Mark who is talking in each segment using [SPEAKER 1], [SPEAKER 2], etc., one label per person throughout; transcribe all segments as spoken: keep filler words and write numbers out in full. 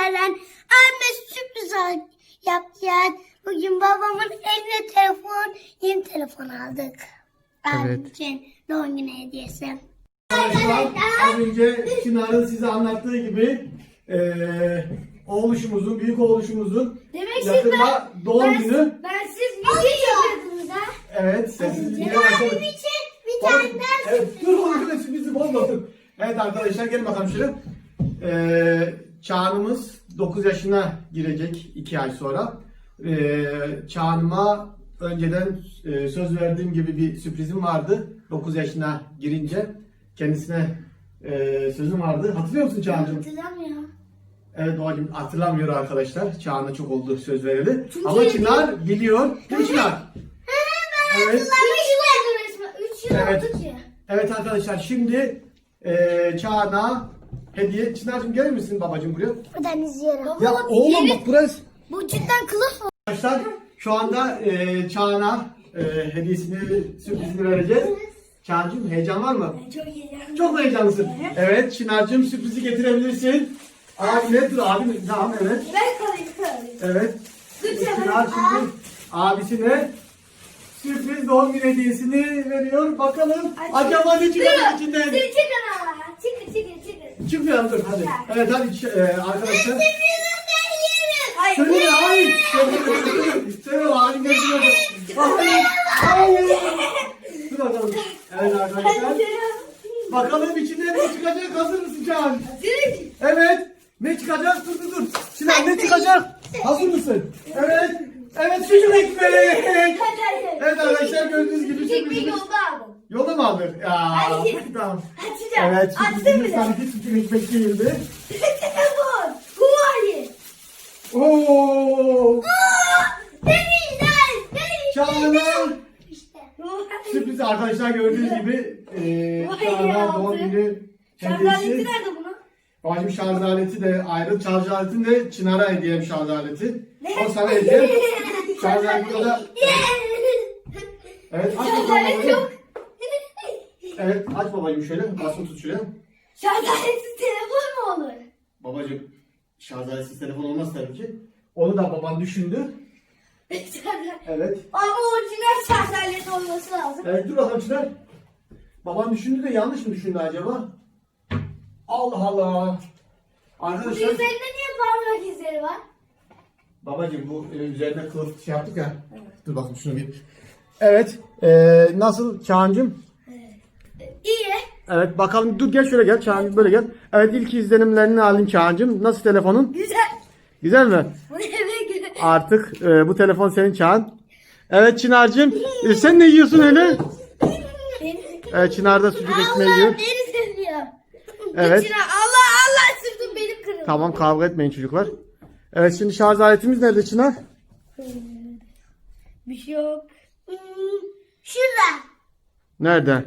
[SPEAKER 1] sizlerden anne sürpriz al- yapacağız. Bugün babamın eline telefon, yeni telefon aldık.
[SPEAKER 2] Evet.
[SPEAKER 1] Abim için doğum günü hediyesi.
[SPEAKER 2] Arkadaşlar az önce Çınar'ın size anlattığı gibi eee oğluşumuzun, büyük oğluşumuzun
[SPEAKER 1] Demek
[SPEAKER 2] yakında doğum günü.
[SPEAKER 1] Ben siz video yapıyordunuz ha.
[SPEAKER 2] Evet, sessiz bir
[SPEAKER 1] Abim için bir tane daha
[SPEAKER 2] Evet, dur oğlum bizi bozmasın. Evet arkadaşlar gelin bakalım şöyle. Ee, Çağan'ımız dokuz yaşına girecek iki ay sonra. Ee, Çağan'ıma önceden e, söz verdiğim gibi bir sürprizim vardı. dokuz yaşına girince kendisine e, sözüm vardı. Hatırlıyor musun Çağan'cığım?
[SPEAKER 1] hatırlamıyor.
[SPEAKER 2] Evet babacığım hatırlamıyor arkadaşlar. Çağan'a çok oldu söz vereli.
[SPEAKER 1] Çünkü
[SPEAKER 2] Ama Çınar biliyor. Değil mi Çınar? Evet.
[SPEAKER 1] üç yıl oldu resmen. üç yıl
[SPEAKER 2] Evet.
[SPEAKER 1] oldu ki.
[SPEAKER 2] Evet arkadaşlar şimdi e, Çağan'a hediye. Çınar'cığım gelir misin babacığım buraya?
[SPEAKER 1] Buradan izliyorum.
[SPEAKER 2] Ya oğlum bak burası.
[SPEAKER 1] Bu cidden kılıf mı?
[SPEAKER 2] Arkadaşlar şu anda e, Çağan'a e, hediyesini, sürprizini vereceğiz. Çağan'cığım heyecan var mı?
[SPEAKER 1] Çok iyi.
[SPEAKER 2] Çok mu heyecanlısın? Evet Çınar'cığım sürprizi getirebilirsin. Abine dur abim. Tamam evet.
[SPEAKER 1] Ben kalayım kalayım.
[SPEAKER 2] Evet.
[SPEAKER 1] Lütfen.
[SPEAKER 2] Çınar şimdi abisine sürpriz doğum günü hediyesini veriyor. Bakalım acaba ne çıkacak içinden?
[SPEAKER 1] Çıkın çıkın ama. Çıkın çıkın çıkın.
[SPEAKER 2] Çıkmıyor dur hadi. Evet hadi e, arkadaşlar.
[SPEAKER 1] Hayır.
[SPEAKER 2] Söyle hayır. Söyle hayır. Hayır. Hayır. Dur bakalım. Evet arkadaşlar. Bakalım içinden ne çıkacak? Hazır mısın Can? Evet. Ne çıkacak? Dur dur dur. Sinan ne çıkacak? Hazır mısın? Evet. Evet sucuk ekmek. Evet arkadaşlar gördüğünüz gibi
[SPEAKER 1] Ekmeği
[SPEAKER 2] sürprizimiz.
[SPEAKER 1] yolda aldım.
[SPEAKER 2] Yolda mı aldın? Ya.
[SPEAKER 1] Hayır.
[SPEAKER 2] Tamam.
[SPEAKER 1] Açacağım.
[SPEAKER 2] Evet
[SPEAKER 1] Açtım
[SPEAKER 2] sürprizimiz
[SPEAKER 1] bile.
[SPEAKER 2] sanki sucuk ekmek değildi.
[SPEAKER 1] Telefon. Huawei.
[SPEAKER 2] Oo.
[SPEAKER 1] Denizler.
[SPEAKER 2] Çağla.
[SPEAKER 1] İşte.
[SPEAKER 2] Sürpriz arkadaşlar gördüğünüz gibi eee
[SPEAKER 1] Vay
[SPEAKER 2] Çağla
[SPEAKER 1] ya,
[SPEAKER 2] doğum
[SPEAKER 1] aldı.
[SPEAKER 2] günü
[SPEAKER 1] Şarj aleti
[SPEAKER 2] hediyesi.
[SPEAKER 1] nerede bunun?
[SPEAKER 2] Babacım şarj aleti de ayrı. Şarj aletini de Çınar'a hediyem şarj aleti. O sana hediye. Şarj aleti o da. Evet aç
[SPEAKER 1] Şarj
[SPEAKER 2] bakalım.
[SPEAKER 1] aleti yok.
[SPEAKER 2] Evet aç babacım şöyle. Basma tut şöyle.
[SPEAKER 1] Şarj aletsiz telefon mu olur?
[SPEAKER 2] Babacım şarj aletsiz telefon olmaz tabii ki. Onu da baban düşündü. Evet.
[SPEAKER 1] Ama orijinal şarj aleti olması lazım.
[SPEAKER 2] Evet dur bakalım Çınar. Baban düşündü de yanlış mı düşündü acaba? Allah Allah.
[SPEAKER 1] Bu
[SPEAKER 2] Arkadaşlar.
[SPEAKER 1] üzerinde niye parmak izleri var?
[SPEAKER 2] Babacım bu e, üzerine kılıf şey yaptık ya. Dur bakayım şunu bir. Evet. E, nasıl Çağan'cığım?
[SPEAKER 1] İyi.
[SPEAKER 2] Evet bakalım dur gel şöyle gel Çağan böyle gel. Evet ilk izlenimlerini alayım Çağan'cığım. Nasıl telefonun?
[SPEAKER 1] Güzel.
[SPEAKER 2] Güzel mi?
[SPEAKER 1] Bu eve göre.
[SPEAKER 2] Artık e, bu telefon senin Çağan. Evet Çınar'cığım. E, sen ne yiyorsun öyle? Evet Çınar da sucuk ekmeği
[SPEAKER 1] Allah
[SPEAKER 2] yiyor.
[SPEAKER 1] beni seviyor.
[SPEAKER 2] Evet.
[SPEAKER 1] İçine Allah Allah sırtım benim kırıldı.
[SPEAKER 2] Tamam kavga etmeyin çocuklar. Evet şimdi şarj aletimiz nerede Çınar?
[SPEAKER 1] Bir şey yok. Hmm, şurada.
[SPEAKER 2] Nerede?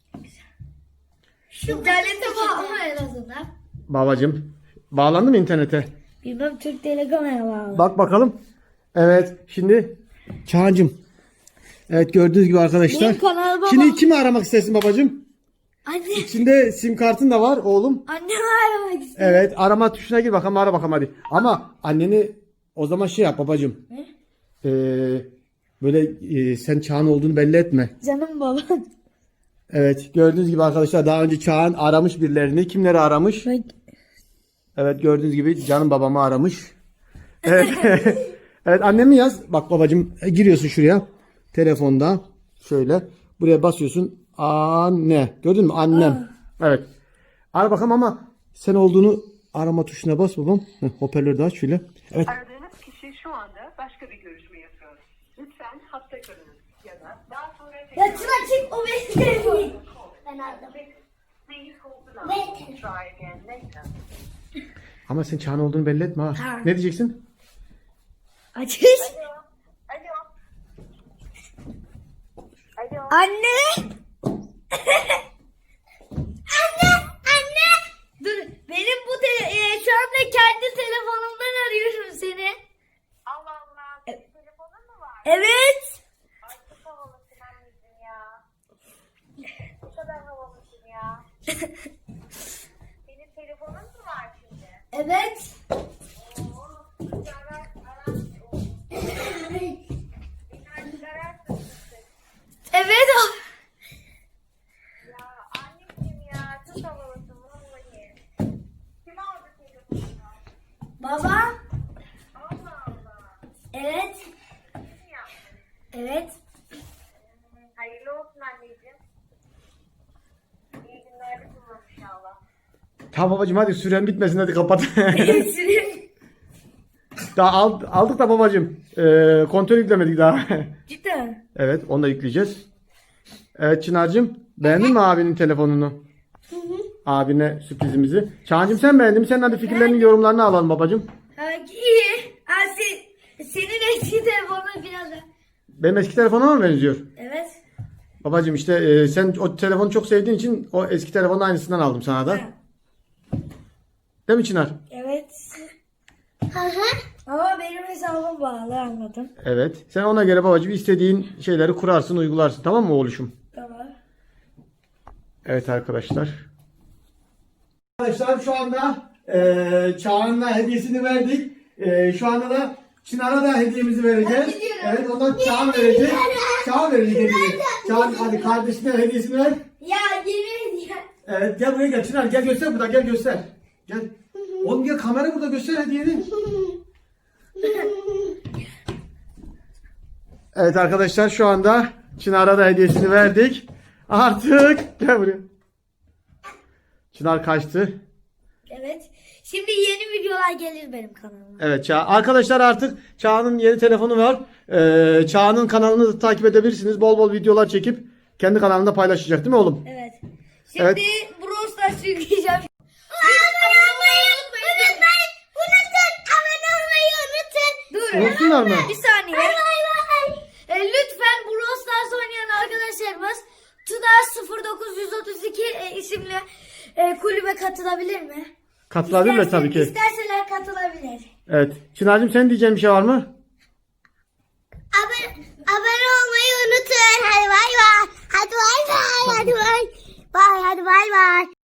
[SPEAKER 1] Şu internete bağlı en azından.
[SPEAKER 2] Babacığım. Bağlandı mı internete?
[SPEAKER 1] Bilmem Türk Telecom'a bağlı.
[SPEAKER 2] Bak bakalım. Evet şimdi Çağan'cığım. Evet gördüğünüz gibi arkadaşlar.
[SPEAKER 1] Benim kanalıma
[SPEAKER 2] Şimdi
[SPEAKER 1] bak.
[SPEAKER 2] kimi aramak istersin babacığım?
[SPEAKER 1] Anne.
[SPEAKER 2] İçinde sim kartın da var oğlum.
[SPEAKER 1] Annemi aramak istiyorum.
[SPEAKER 2] Evet arama tuşuna gir bakalım ara bakalım hadi. Ama anneni o zaman şey yap babacığım.
[SPEAKER 1] Ne?
[SPEAKER 2] Ee, böyle e, sen Çağan olduğunu belli etme.
[SPEAKER 1] Canım babam.
[SPEAKER 2] Evet gördüğünüz gibi arkadaşlar daha önce Çağan aramış birilerini. Kimleri aramış? Evet gördüğünüz gibi canım babamı aramış. Evet. Evet annemi yaz. Bak babacığım e, giriyorsun şuraya. Telefonda şöyle. Buraya basıyorsun. Anne. Gördün mü? Annem. Evet. Ara bakalım ama sen olduğunu arama tuşuna bas babam. Heh, hoparlörü de aç şöyle. Evet.
[SPEAKER 3] Aradığınız kişi şu anda başka bir görüşme yapıyor. Lütfen hatta kalınız ya da daha sonra
[SPEAKER 1] Ya Çınar çık o benim telefonum. Ben aldım.
[SPEAKER 3] Please hold the
[SPEAKER 1] Ve
[SPEAKER 3] line.
[SPEAKER 1] telefon.
[SPEAKER 3] Try again later.
[SPEAKER 2] Ama sen Çağan olduğunu belli etme ha.
[SPEAKER 1] Tamam.
[SPEAKER 2] Ne diyeceksin?
[SPEAKER 1] Açış.
[SPEAKER 3] Alo. Alo.
[SPEAKER 1] Anne. Anne. Anne. Dur benim bu tele e, şu anda kendi telefonumdan arıyorum seni.
[SPEAKER 3] Allah Allah. Senin telefonun mu var?
[SPEAKER 1] Evet.
[SPEAKER 3] Ay çok havalısın anneciğim ya. Bu kadar havalısın ya. Senin telefonun mu var şimdi?
[SPEAKER 1] Evet. Baba. Evet. Evet.
[SPEAKER 4] Hayırlı olsun anneciğim. İyi günler kullan inşallah.
[SPEAKER 2] Tamam babacığım hadi süren bitmesin hadi kapat. Daha al- aldık da babacığım. Ee, kontör yüklemedik daha.
[SPEAKER 1] Cidden.
[SPEAKER 2] Evet onu da yükleyeceğiz. Evet Çınar'cığım beğendin mi abinin telefonunu? Abine sürprizimizi. Çağan'cığım sen beğendin mi? Senin hadi fikirlerini yorumlarını alalım babacığım.
[SPEAKER 1] Ha, iyi. Ha, sen, senin eski telefonun biraz da.
[SPEAKER 2] Benim eski telefonuma mı benziyor?
[SPEAKER 1] Evet.
[SPEAKER 2] Babacığım işte e, sen o telefonu çok sevdiğin için o eski telefonun aynısından aldım sana da. Değil mi Çınar?
[SPEAKER 1] Evet. Hı hı. Ama benim hesabım bağlı anladım.
[SPEAKER 2] Evet. Sen ona göre babacığım istediğin şeyleri kurarsın, uygularsın. Tamam mı oğluşum?
[SPEAKER 1] Tamam.
[SPEAKER 2] Evet arkadaşlar. Arkadaşlar şu anda e, Çağan'la hediyesini verdik. E, şu anda da Çınar'a da hediyemizi vereceğiz. Evet ondan Çağan verecek. Çağan verecek hediyeyi. Çağan hadi kardeşine hediyesini ver.
[SPEAKER 1] Ya yemin ya.
[SPEAKER 2] Evet gel buraya gel Çınar gel göster burada gel göster. Gel. Oğlum gel kamera burada göster hediyeni. Evet arkadaşlar şu anda Çınar'a da hediyesini verdik. Artık gel buraya. Çınar kaçtı.
[SPEAKER 1] Evet. Şimdi yeni videolar gelir benim kanalıma.
[SPEAKER 2] Evet Ça arkadaşlar artık Çağan'ın yeni telefonu var. Ee, Çağan'ın kanalını da takip edebilirsiniz. Bol bol videolar çekip kendi kanalında paylaşacak değil mi oğlum?
[SPEAKER 1] Evet. Şimdi
[SPEAKER 2] Evet.
[SPEAKER 1] Brawl Stars yükleyeceğim. Abone olmayı unutmayın. Unutun. Abone olmayı unutun. Dur.
[SPEAKER 2] Unutsunlar mı?
[SPEAKER 1] Bir saniye. E, lütfen Brawl Stars oynayan arkadaşlarımız Tuda sıfır dokuz otuz iki e, isimli e, kulübe katılabilir mi?
[SPEAKER 2] Katılabilirler
[SPEAKER 1] İsterse-
[SPEAKER 2] tabii ki.
[SPEAKER 1] İsterseler katılabilir.
[SPEAKER 2] Evet. Çınar'cığım senin diyeceğin bir şey var mı?
[SPEAKER 1] Abone, abone olmayı unutun. Hadi bay bay. Hadi bay bay. Hadi bay. Bay hadi bay bay.